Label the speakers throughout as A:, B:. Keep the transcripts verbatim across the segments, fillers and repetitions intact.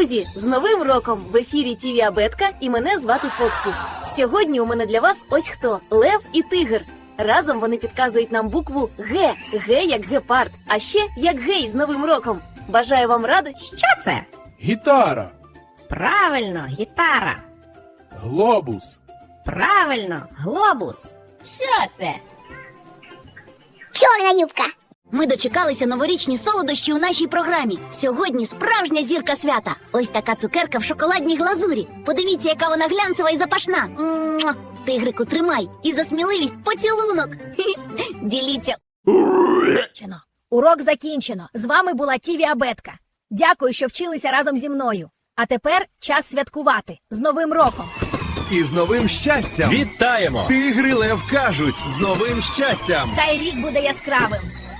A: Друзі, з Новим роком! В ефірі ТІВІ Абетка і мене звати Фоксі. Сьогодні у мене для вас ось хто – Лев і Тигр. Разом вони підказують нам букву Г. Г як гепард, а ще як гей з Новим роком. Бажаю вам радості.
B: Що це?
C: Гітара,
B: Правильно, гітара.
C: глобус,
B: Правильно, глобус. Що це?
D: Чорна юбка.
A: Ми дочекалися новорічні солодощі у нашій програмі. Сьогодні справжня зірка свята. Ось така цукерка в шоколадній глазурі. Подивіться, яка вона глянцева і запашна. Муа! Тигрику, тримай. І за сміливість поцілунок. Хі-хі. Діліться.
E: Урок закінчено. З вами була ТІВІ Абетка. Дякую, що вчилися разом зі мною. А тепер час святкувати. З Новим роком!
F: І з новим щастям!
G: Вітаємо!
F: Тигри Лев кажуть, з новим щастям!
E: Хай рік буде яскравим.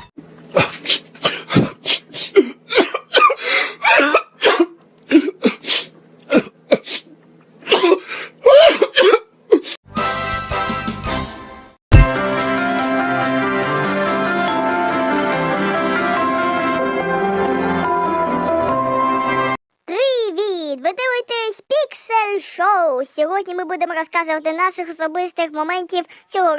D: Привіт! Ви дивитесь Піксель Шоу. Сьогодні ми будемо розказувати наших особистих моментів цього